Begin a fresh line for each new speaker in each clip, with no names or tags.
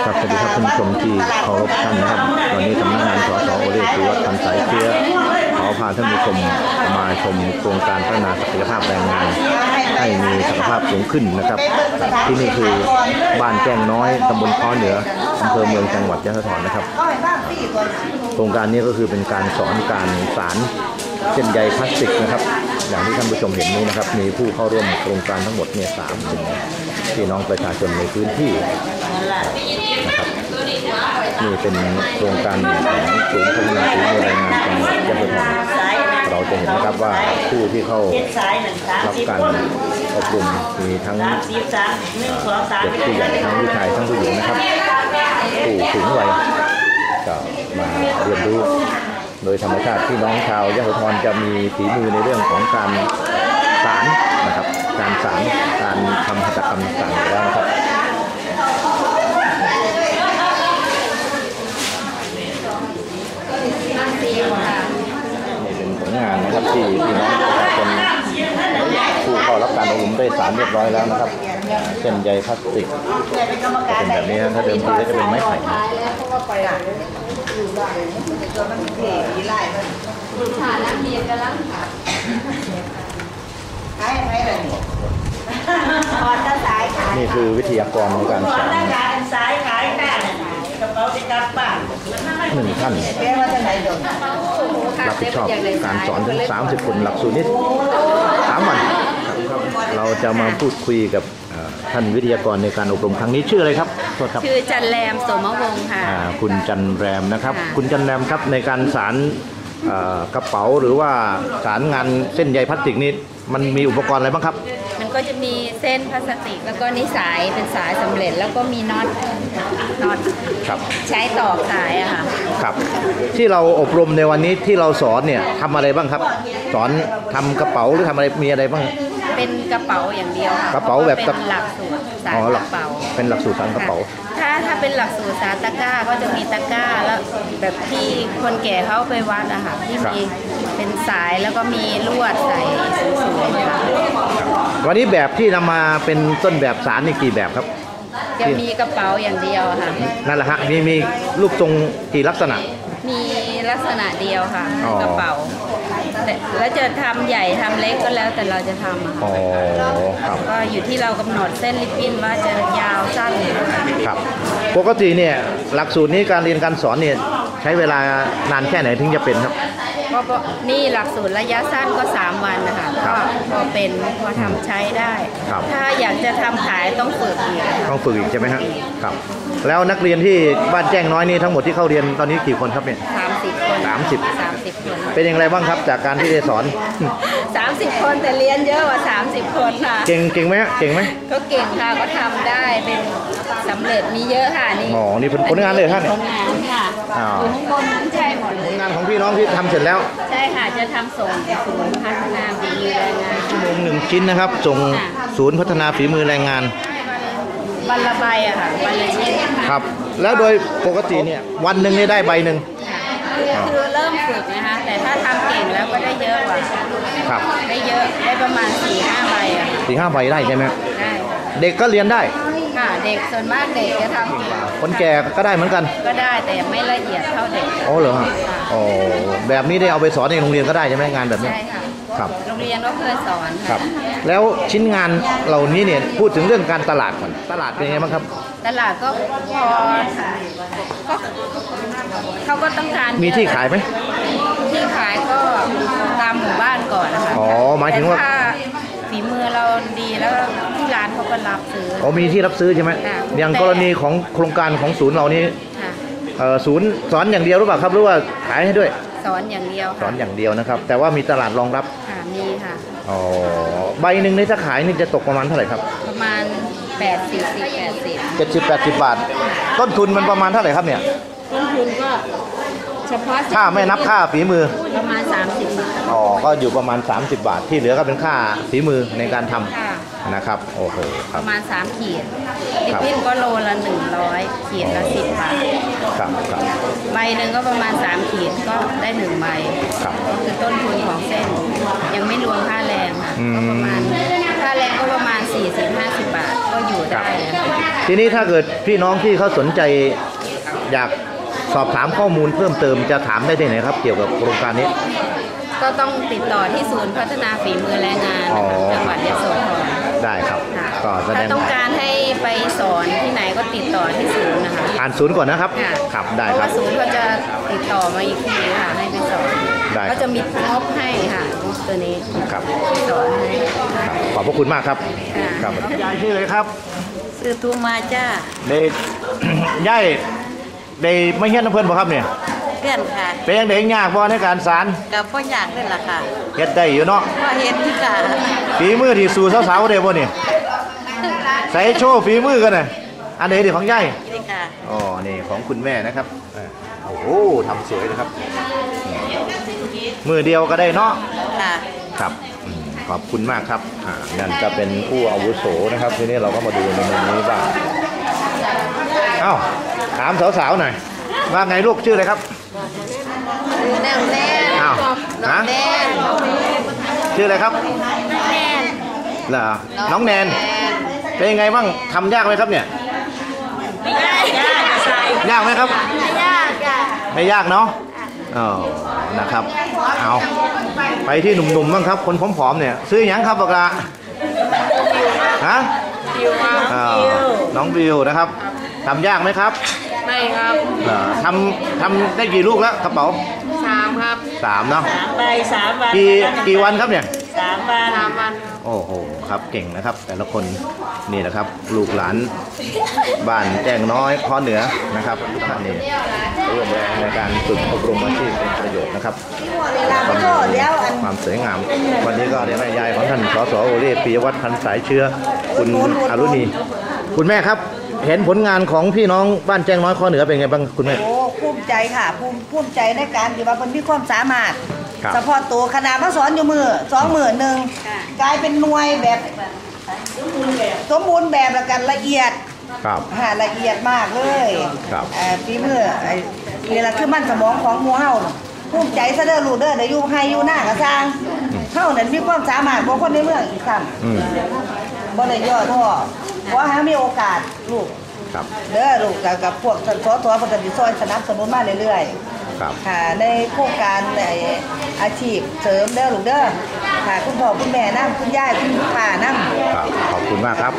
ครับสวัสดีครับท่านผู้ชมที่เคารพท่านนะครับวันนี้สำนักงานสสโอเล่สุวัฒน์พันสายเชื้อขอพาท่านผู้ชมมาชมโครงการพัฒนาศักยภาพแรงงานให้มีศักยภาพสูงขึ้นนะครับที่นี่คือบ้านแจ้งน้อยตำบลค้อเหนืออำเภอเมืองจังหวัดยะโสธรนะครับโครงการนี้ก็คือเป็นการสอนการสารเส้นใยพลาสติกนะครับอย่างที่ท่านผู้ชมเห็นนี้นะครับมีผู้เข้าร่วมโครงการทั้งหมดเนี่ย3 คนพี่น้องประชาชนในพื้นที่นะครับนี่เป็นโครงการของศูนย์พัฒนาฝีมือแรงงานจังหวัดยะโสธรเราจะเห็นนะครับว่าผู้ที่เข้ารับการอบรมมีทั้งเด็กผู้ใหญ่ทั้งผู้ชายทั้งผู้หญิงนะครับผู้สูงวัยก็มาเรียนรู้โดยธรรมชาติพี่น้องชาวยะโสธรจะมีฝีมือในเรื่องของการสารนะครับการสารการทำหัตถกรรมต่างๆแล้วนะครับนี่เป็นผลงานนะครับที่พี่น้องประชาชนผู้เข้ารับการอบรมได้สารเรียบร้อยแล้วนะครับเส้นใยพลาสติกจะเป็นแบบนี้นะถ้าเดิมทีก็จะเป็นไม้ไผ่นี่คือวิทยากรในการสอน1 ท่านรับผิดชอบการสอนถึง30 คนหลักสูตรนี้3 วันเราจะมาพูดคุยกับท่านวิทยากรในการอบรมครั้งนี้ชื่ออะไรครับ
ชื่อจันแรมโสมวงศ์ค่ะ
คุณจันแรมนะครับคุณจันแรมครับในการสารกระเป๋าหรือว่าสารงานเส้นใยพลาสติกนี้มันมีอุปกรณ์อะไรบ้างครับ
มันก็จะมีเส้นพลาสติกแล้วก็นิสายเป็นสายสำเร็จแล้วก็มีน็อตใช้ตอกสายอะค่ะ
ครับที่เราอบรมในวันนี้ที่เราสอนเนี่ยทำอะไรบ้างครับสอนทำกระเป๋าหรือทำอะไรมีอะไรบ้าง
เป็นกระเป๋าอย่างเดียว
กระเป๋าแบบ
เป็นหลักสูตรสารกระเป๋า
เป็นหลักสูตรสารกระเป๋า
ถ้าเป็นหลักสูตรสารตะกร้าก็จะมีตะกร้าแล้วแบบที่คนแก่เขาไปวัดอะค่ะที่มีเป็นสายแล้วก็มีลวดใส่สูงๆค่ะ
วันนี้แบบที่นำมาเป็นต้นแบบสารนี่กี่แบบครับ
จะมีกระเป๋าอย่างเดียวค่ะ
นั่นแหละฮะมีรูปทรงกี่ลักษณะ
มีลักษณะเดียวค่ะกระเป๋าแล้วจะทำใหญ่ทำเล็กก็แล้วแต่เราจะทำค่ะก็อยู่ที่เรากำหนดเส้นริบบิ้นว่าจะยาวสั้น
ครับปกติเนี่ยหลักสูตรนี้การเรียนการสอนเนี่ยใช้เวลานานแค่ไหนถึงจะเป็นครับ
ก็นี่หลักสูตรระยะสั้นก็3 วันนะคะก็พอเป็นพอทำใช้ได้ถ้าอยากจะทำขายต้องฝึกอีก
ต้องฝึกอีกใช่ไหมครับครับแล้วนักเรียนที่บ้านแจ้งน้อยนี่ทั้งหมดที่เข้าเรียนตอนนี้กี่คนครับเนี่ย
30 คน30 คน
เป็นอย่างไรบ้างครับจากการที่ได้สอน
30 คนแต่เรียนเยอะกว่า30 คนค่ะ
เก่งไหมเก่งไหม
ก็เก่งค่ะก็ทำได้เป็นสำเร็จมีเยอะค่ะนี่
นี่เป็นผลงานเลยท่าน
ผลงานค่ะอยู่ข้างบนนั้นใช่หมดเลย
ผลงานของพี่น้องที่ทำเสร็จแล้ว
ใช่ค่ะจะทำส่งศูนย์พัฒนาฝีมือแรงงาน
ชั่วโมง1 ชิ้นนะครับส่งศูนย์พัฒนาฝีมือแรงงาน
วันละใบอะค่ะวันละชิ้น
ครับแล้วโดยปกติเนี่ยวันหนึ่งได้ใบหนึ่ง
คือเริ่มฝึกนะคะแต่ถ้าทำเก่งแล้วก็ได้เยอะกว่า
ครับ
ได้เยอะได้ประมาณ4-5 ใบอะ
4-5 ใบได้ใช่ไหม
ได้
เด็กก็เรียนได้
ค่ะเด็กส่วนมากเด็กจะทำเก่ง
คนแก่ก็ได้เหมือนกัน
ก็ได้แต่ไม่ละเอียดเท่าเด็ก
เหรอฮะแบบนี้ได้เอาไปสอนในโรงเรียนก็ได้ใช่ไหมงานแบบนี้
ใช่ค่ะ
ครับ
โรงเรียนก็เคยสอน
ครับแล้วชิ้นงานเหล่านี้เนี่ยพูดถึงเรื่องการตลาดก่อนตลาดเป็นไงบ้างครับ
ตลาดก็พอเขาก็ต้องการ
มีที่ขายไหม
ที่ขายก็ตามหมู่บ้านก่อนนะคะ
หมายถึงว่า
ฝีมือเราดีแล้วที่ร้านเขาก็รับซื้อ
มีที่รับซื้อใช่ไหมอย่างกรณีของโครงการของศูนย์เรานี้ศูนย์สอนอย่างเดียวหรือเปล่าครับหรือว่าขายให้ด้วย
สอนอย่างเดียว
สอนอย่างเดียวนะครับแต่ว่ามีตลาดรองรับ
มีค่ะ
ใบหนึ่งในถ้าขายนี่จะตกประมาณเท่าไหร่ครับ
ประมาณ
70-80 บาทต้นทุนมันประมาณเท่าไหร่ครับเนี่ย
ต้นทุนก็เฉพาะ
ถ้าไม่นับค่าฝีมือ
ประมาณ30 บาท
ก็อยู่ประมาณ30 บาทที่เหลือก็เป็นค่าฝีมือในการทำนะครับโอ้โห
ประมาณ3 ขีดลิปปิ้นก็โลละ100ขีดละ10 บาท
ครับ
ใบหนึ่งก็ประมาณ3 ขีดก็ได้1 ใบก็คือต้นทุนของเส้นยังไม่รวมค่าแรงค่ะก็ประมาณค่าแรงก็ประมาณ40-50 บาทก็อยู่ได้
ทีนี้ถ้าเกิดพี่น้องที่เขาสนใจอยากสอบถามข้อมูลเพิ่มเติมจะถามได้ที่ไหนครับเกี่ยวกับโครงการนี้
ก็ต้องติดต่อที่ศูนย์พัฒนาฝีมือแรงงานจังหวัดยโสธร
ได้ครับก็แสดง
ถ้าต้องการให้ไปสอนที่ไหนก็ติดต่อที่ศูนย์นะคะ
ผ่านศูนย์ก่อนนะครับครับได้ครับ
เพราะว่าศูนย์เขาจะติดต่อมาอีกทีค่ะให้ไปสอนก็จะมีงบให้ค่ะงบตัวนี้
ครับ
สอนให้
ขอบพระคุณมากครับครับยายชื่ออะไรครับ
ซื้อทุ่มาจ้า
เด็กยายได้ไม่เฮี้ยนน้ำเพลินบ่ครับเนี่ย
เพื่อนค่ะ
เป็นยังเด็กยากบ่ในการสาร
กับพ่อยากเลยล่ะค่ะ
เฮ็ดได้อยู่เนาะ
พ่อเฮ็ดที่ค่ะ
ฝีมือที่สู่สาวๆได้บ่เนี่ยใส่โชว์ฝีมือกันน่ะอันไหนดิของยาย
นี่ค่ะ
อ๋อนี่ของคุณแม่นะครับโอ้โหทำสวยเลยครับมือเดียวก็ได้เนาะ
ค่ะ
ครับขอบคุณมากครับนั่นจะเป็นผู้อาวุโสนะครับทีนี้เราก็มาดูในมุมนี้บ้างเอ้าถามสาวๆหน่อยว่าไงลูกชื่ออะไรครับ
แนนแนน
อ้าวฮะชื่ออะไรครับ
แนน
เหรอน้องแนนเป็นยังไงบ้างทำยากไหมครับเนี่ย
ไม่ยาก
ยากไหมครับ
ไม่ยาก
ไม่ยากเนาะอ๋อนะครับเอาไปที่หนุ่มๆบ้างครับคนผอมๆเนี่ยซื้อยังครับบอกละฮะน้องบิวนะครับทำยากไหมครับ
ไม่ครับ
ทำได้กี่ลูกแล้วกระเป๋า
3ครับ
3เนาะ
ไป3 วัน
กี่วันครับเนี่ย
3 วัน
โอ้โหครับเก่งนะครับแต่ละคนนี่นะครับลูกหลานบ้านแจ้งน้อยข้อเหนือนะครับทุกท่านนี่ร่วมแรงในการฝึกอบรมอาชีพเป็นประโยชน์นะครับความสวยงามวันนี้ก็เดี๋ยวแม่ยายของท่านสสโอเล่ปิยวัฒน์พันสายเชื้อคุณอรุณีคุณแม่ครับเห็นผลงานของพี่น้องบ้านแจ้งน้อยข้อเหนือเป็นไงบ้างคุณแม่
โอ้ภูมิใจค่ะภูมิใจในการที่ว่าเพิ่นมีความสามารถเฉพาะตัวขนาดมาสอนอยู่มือ2 มื้อนึงกลายเป็นหน่วยแบบสมบูรณ์แบบแล้วกันละเอียด
ครับ
ละเอียดมากเลย
ครับ
ฝีมือนี่แหละคือมันสมองของหมู่เฮาภูมิใจซะเด้อลูกเด้อได้อยู่ให้อยู่หน้ากระสร้างเฮานั่นมีความสามารถบ่คนในเมืองอีกซ้ำบ่ได้ย่อท้อขอให้มีโอกาสลูกเด้อลูกกับพวกสสเพิ่นก็สิช่วยสนับสนุนมาเรื่อยๆค่ะในโครงการในอาชีพเสริมเด้อลูกเด้อค่ะคุณพ่อคุณแม่นำคุณยายคุณป้านำ
ขอบคุณมากครับ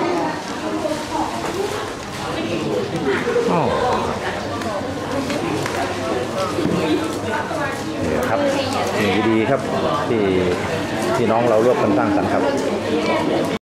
นี่ครับสิ่งดีๆครับที่น้องเราร่วมกันสร้างสรรค์ครับ